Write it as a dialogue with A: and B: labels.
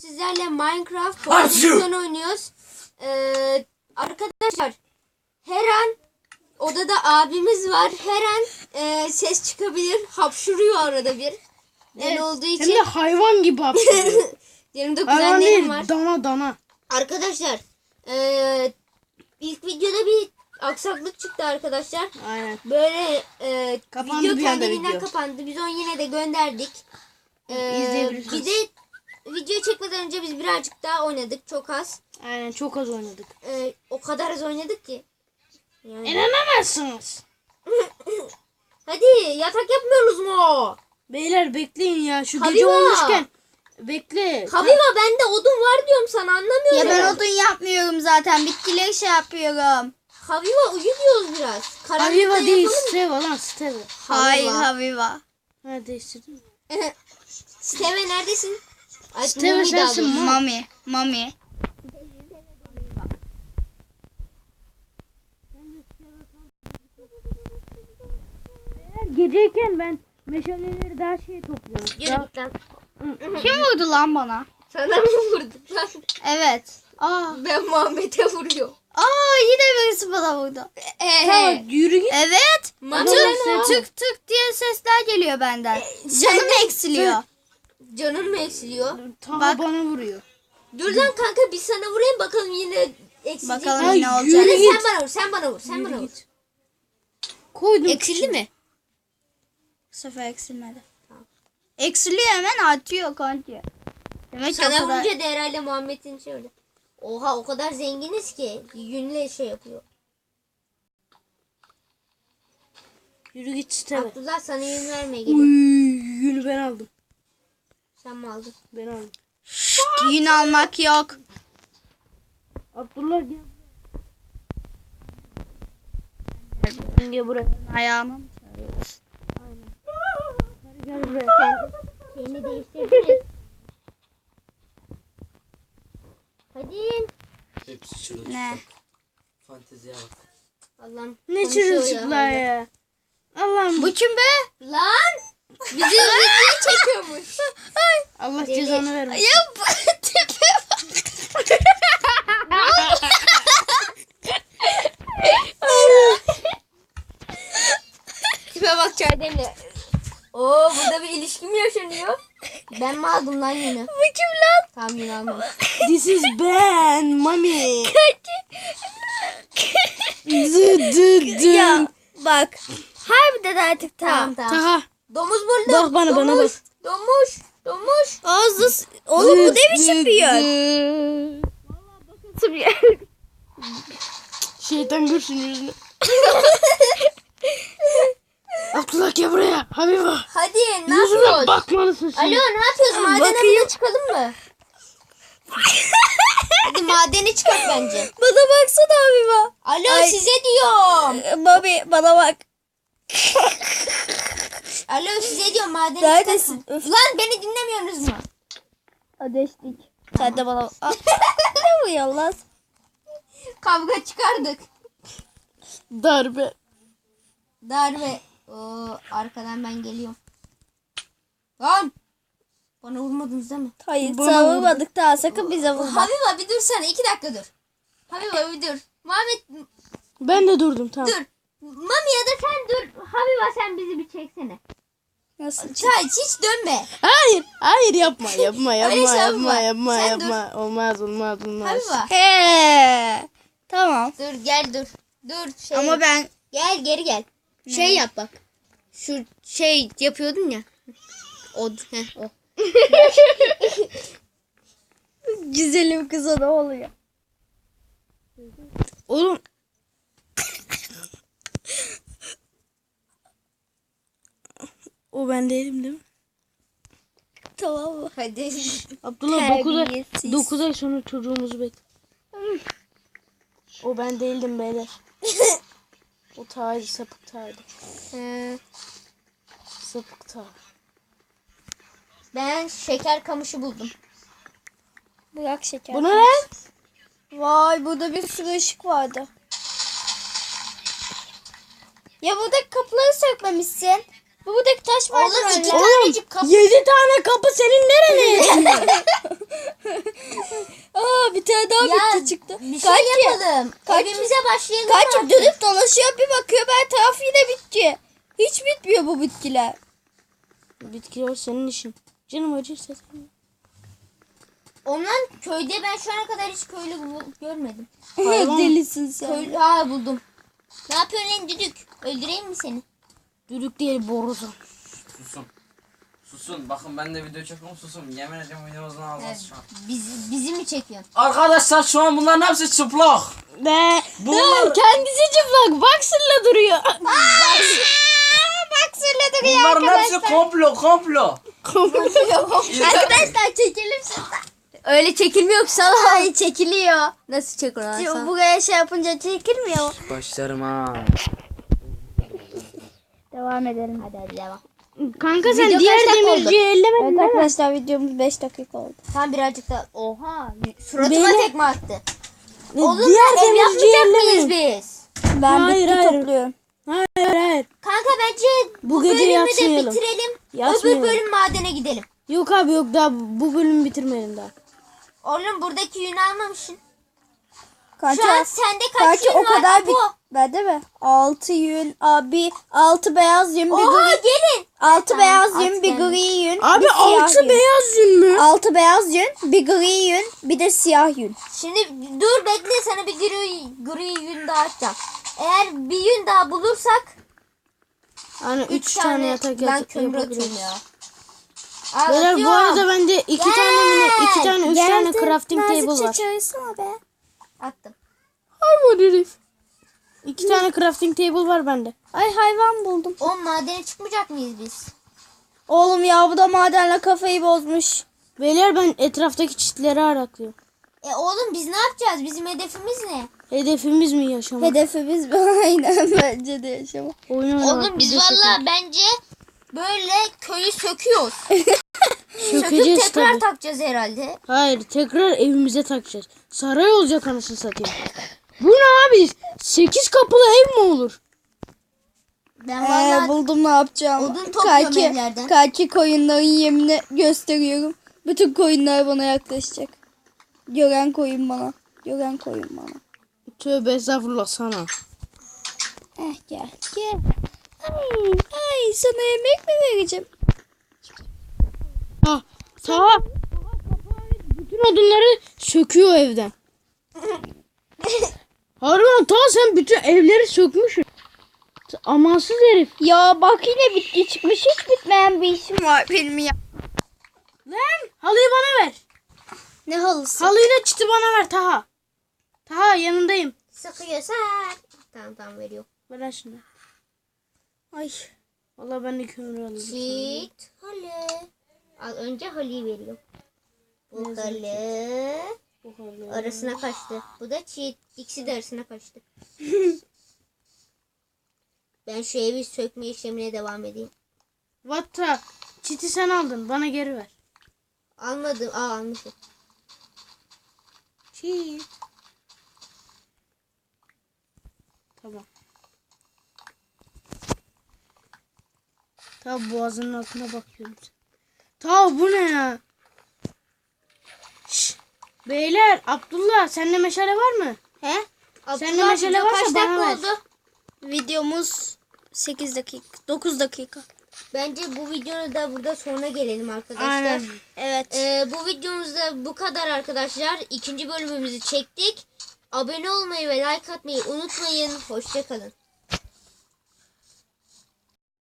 A: Sizlerle Minecraft pozisyon oynuyoruz. Arkadaşlar her an odada abimiz var. Her an ses çıkabilir. Hapşuruyor arada bir.
B: Evet,
A: olduğu için.
B: hem de hayvan gibi hapşuruyor.
A: Yanımda
B: Hayvan
A: kuzenlerim
B: değil,
A: var.
B: dana.
A: Arkadaşlar ilk videoda bir aksaklık çıktı arkadaşlar.
B: Aynen.
A: Böyle
B: Kapandı
A: video
B: bir anda
A: kendiliğinden
B: video.
A: kapandı. Biz onu yine de gönderdik.
B: İzleyebilirsiniz.
A: Bir de video çekmeden önce biz birazcık daha oynadık. Çok az.
B: Aynen, çok az oynadık.
A: O kadar az oynadık ki. Yani.
B: İnanamazsınız.
A: Hadi yatak yapmıyoruz mu?
B: Beyler bekleyin ya, şu
A: Habiba.
B: gece olmuşken. Bekle.
A: Habiba bende odun var diyorum sana, anlamıyorum.
C: Ya ben odun yapmıyorum zaten. Bitkileri şey yapıyorum.
A: Habiba uyu diyoruz biraz. Karanlıkta
B: Habiba değil,
A: yapalım.
B: Steva lan, Steva.
C: Hayır
A: Habiba.
C: Habiba.
B: Ha, değiştirdin mi?
A: Steve neredesin? Ay,
B: Steve
A: Mumi daha
B: sensin,
A: doğrusu.
B: Mami.
C: Mami.
B: Geceyken ben meşaleleri daha şey topluyorum.
A: Yürü git lan.
C: Kim vurdu lan bana?
A: Sana mı vurduk lan?
C: Evet. Aa.
A: Ben Muhammed'e vuruyorum.
C: Yine birisi bana vurdu.
B: Tamam, yürü git.
C: Evet.
A: Mami
C: Tık tık tık diye sesler geliyor benden. Canım eksiliyor.
A: Canın mı eksiliyor?
B: Tamam,
C: Bak.
B: bana vuruyor.
A: Dur lan kanka, biz sana vurayım bakalım yine eksilecek.
C: Bakalım
A: mi?
C: yine
B: Ay,
C: olacak.
B: yürü git.
A: Sen bana vur. Sen bana vur.
B: Koydum.
A: Eksildi mi?
C: Bu sefer eksilmedi. Eksiliyor, hemen artıyor kanka. Demek ki o
A: Sana
C: kadar.
A: vurunca da herhalde Muhammed'in şey öyle. Oha, o kadar zenginiz ki yünle şey yapıyor.
B: Yürü git Steva.
A: Abdullah sana yün vermeye
B: Uy,
A: geliyor.
B: yünü ben aldım.
A: Sen mi aldın?
B: Ben aldım.
C: Yün almak yok.
B: Abdullah gel. Gel buraya.
C: Ayağımı.
B: Gel buraya.
A: Seni değiştirdiniz. Hadi.
D: Hepsi çırılçıplak.
C: Ne?
D: Fanteziye bak.
A: Allah'ım.
B: Ne
A: konuşuyor
B: çırılçıklar ya. Allah'ım.
C: Bu kim be?
A: Lan! Bizi video çekiyormuş.
B: Allah
A: Deli.
B: cezanı vermesin.
C: Ya bu tipe bak.
A: Tipe bak, çay demle. Oo, burada bir ilişki mi yaşanıyor? Ben mi aldım lan yünü?
C: Bu kim lan?
A: Tamam, yünü almadım.
B: This is Ben Mami. Dı.
C: Ya bak. Harbiden artık
A: Tamam.
B: Taha.
A: Domuz buldum.
B: Bak bana, bana bak.
A: Domuz.
C: Ağzı. Oğlum bu ne biçim bir yer? Nasıl bir yer?
B: Şeytan görsün yüzünü. Abdullah gel buraya. Habiba.
A: Hadi ne
B: Yüzüme
A: yapıyoruz?
B: bakmalısın
A: Alo,
B: şimdi.
A: ne yapıyoruz? Madene
C: bakayım.
A: bile çıkalım mı? Hadi madene çıkak bence.
C: Bana baksana abime.
A: Alo,
C: Ay.
A: size diyorum.
C: Mami bana bak.
A: Alo, size diyorum, madene
C: Neredesin?
A: çıkalım.
C: Öf.
A: Lan beni dinlemiyorsunuz mu?
C: Ateşlik. Sen de bana bak. Ne bu yallah?
A: Kavga çıkardık.
B: Darbe.
A: Darbe. Oo, arkadan ben geliyorum. Lan! Bana vurmadınız değil mi?
C: Hayır
B: Bana
C: savurmadık daha, sakın bize vurma.
A: Habiba bir dursana, 2 dakika dur. Habiba bir dur. Muhammed
B: Ben de durdum, tamam.
A: dur. Mami ya da sen dur. Habiba sen bizi bir çeksene.
C: Nasıl?
A: Çay hiç dönme.
B: Hayır yapma.
A: Öyle şey yapma. Sen
B: Olmaz.
A: Habiba
C: He. Tamam.
A: dur, gel dur. Dur şey.
C: Ama ben
A: Gel geri gel. Şey yap bak. Şu şey yapıyordun ya. O. O.
C: güzelim kıza ne oluyor?
B: Oğlum. O ben değilim değil mi?
C: Tamam mı?
A: Hadi.
B: Abdullah
C: Terbiyesiz.
B: 9 ay sonra çocuğumuzu bekle. O ben değildim beyler. O Taha'ydı, sapık Taha'ydı. Sapık Taha.
A: Ben şeker kamışı buldum.
C: Bırak şeker.
B: Bu ne lan?
C: Vay, burada bir sürü ışık vardı. Ya buradaki kapıları sökmemişsin. Buradaki taş var.
A: Oğlum 2
B: Oğlum
A: tanecik kapı.
B: 7 tane kapı senin nereye?
A: yapalım. Evimize başlayalım.
C: Kaçıp
A: artık.
C: dönüp dolaşıyor, bir bakıyor ben taraf yine bitti. Hiç bitmiyor bu bitkiler.
B: Bitkiler senin işin. Canım acırsa sen.
A: Ondan köyde ben şu ana kadar hiç köylü görmedim.
C: Delisin sen.
A: Köylü buldum. Ne yapıyorsun lan düdük? Öldüreyim mi seni?
B: Düdük değil borusu.
D: Susun. Susun. Bakın ben de video çekiyorum, susun. Yemin ediyorum videomuzun ağzına şu an.
A: Bizi mi çekiyorsun?
D: Arkadaşlar şu an bunların hepsi çıplak.
B: Be.
D: Bunlar,
B: Kendisi çıplak. Boxer'la duruyor.
C: Bak söyledi
D: bunların hepsi komplo.
A: Arkadaşlar çekelim şuradan. Öyle çekilmiyor ki sana.
C: Ay çekiliyor.
A: Nasıl çekiyorsun?
C: Buraya şey yapınca çekilmiyor.
D: Başlarım ha.
C: Devam edelim.
A: Hadi devam.
B: Kanka sen
A: Video
B: diğer
A: kaç dakika
B: demirciyi ellemedin
C: Evet
B: değil mi?
C: arkadaşlar videomuz 5 dakika oldu.
A: Tam birazcık da oha suratıma
B: Beni-
A: tekme attı. Oğlum
B: Diğer
A: ev
B: demirciyi
A: yapmayacak mıyız
B: ellemedin.
A: biz?
C: Ben
B: Hayır,
C: bitki
B: hayır.
C: topluyorum.
B: Hayır.
A: Kanka bence
B: Bu gece
A: bölümü de
B: yatmayalım.
A: bitirelim.
B: Yatmayalım.
A: Öbür bölüm madene gidelim.
B: Yok abi yok daha bu bölümü bitirmeyelim daha.
A: Oğlum buradaki yünü almamışsın.
C: Kanka,
A: Şu an sende kaç
C: kanka
A: yün
C: o
A: var?
C: kadar
A: Apo?
C: bir... Ben de mi? 6 yün, abi 6 beyaz yün, bir
A: Oha
C: gri.
A: gelin.
C: 6
A: Tamam,
C: beyaz
A: at
C: yün, bir
A: geldi.
C: gri yün,
B: Abi
C: bir siyah
B: altı
C: yün.
B: beyaz yün mü?
C: 6 beyaz yün, bir gri yün, bir de siyah yün.
A: Şimdi dur bekle sana bir gri yün daha atacağım. Eğer bir yün daha bulursak
B: Hani 3 tane yatak
A: ben kömür atıyorum
B: yapabiliriz.
A: ya.
B: Beyler bu
A: Atıyorum.
B: arada bende 2 tane mi ne? 2 tane 3 tane crafting table var.
C: Çalışsana be.
A: Attım.
B: Harbi herif. 2 tane crafting table var bende.
C: Ay hayvan buldum.
A: O madene çıkmayacak mıyız biz?
C: Oğlum ya bu da madenle kafayı bozmuş.
B: Beyler ben etraftaki çitleri araklıyorum.
A: Oğlum biz ne yapacağız? Bizim hedefimiz ne?
B: Hedefimiz mi yaşamak?
C: Hedefimiz aynen bence de yaşamak.
B: Oyun oynamak.
A: Oğlum biz
B: bir de
A: valla bence böyle köyü söküyoruz. Söküp
B: sökeceğiz
A: tekrar
B: tabii.
A: takacağız herhalde.
B: Hayır tekrar evimize takacağız. Saray olacak anasını satayım. Bu ne abi? 8 kapılı ev mi olur?
A: Ben valla
C: Buldum ne yapacağım.
A: odun topluyorum evlerden.
C: Kaki koyunların yemini gösteriyorum. Bütün koyunlar bana yaklaşacak. Gören koyun bana. Gören koyun bana.
B: Tövbe estağfurullah sana.
C: Gel. Gel. Ay sana yemek mi vereceğim?
B: Ah, tamam. Bütün odunları söküyor evden. Harbiden ta sen bütün evleri sökmüşsün. Amansız herif.
C: Ya bak yine bitki çıkmış. Hiç bitmeyen bir işim var benim ya.
B: Lan halıyı bana ver.
C: Ne halısı?
B: Halıyla çiti bana ver Taha. Taha yanındayım.
A: Sıkıyorsan. Tamam veriyor.
B: Ver şunu.
C: Ay.
B: Vallahi ben de kömür alayım.
A: Çit halı. Al önce halıyı veriyor. Bu halı
B: Bu halı.
A: arasına kaçtı. Bu da çit. İkisi de arasına kaçtı. Ben şu evi sökme işlemine devam edeyim.
B: Vatta. Çiti sen aldın. Bana geri ver.
A: Almadım. Almışım.
B: Çit. Tamam. Tamam boğazının altına bakıyorum. Tamam bu ne ya? Şş, beyler Abdullah sende meşale var mı?
C: He?
B: Sende meşale varsa
A: kaç
B: bana
A: dakika
B: ver.
A: oldu?
C: Videomuz 8 dakika. 9 dakika.
A: Bence bu videonun da burada sonuna gelelim arkadaşlar.
B: Aynen.
C: Evet.
A: Bu videomuzda bu kadar arkadaşlar. İkinci bölümümüzü çektik. Abone olmayı ve like atmayı unutmayın. Hoşça kalın.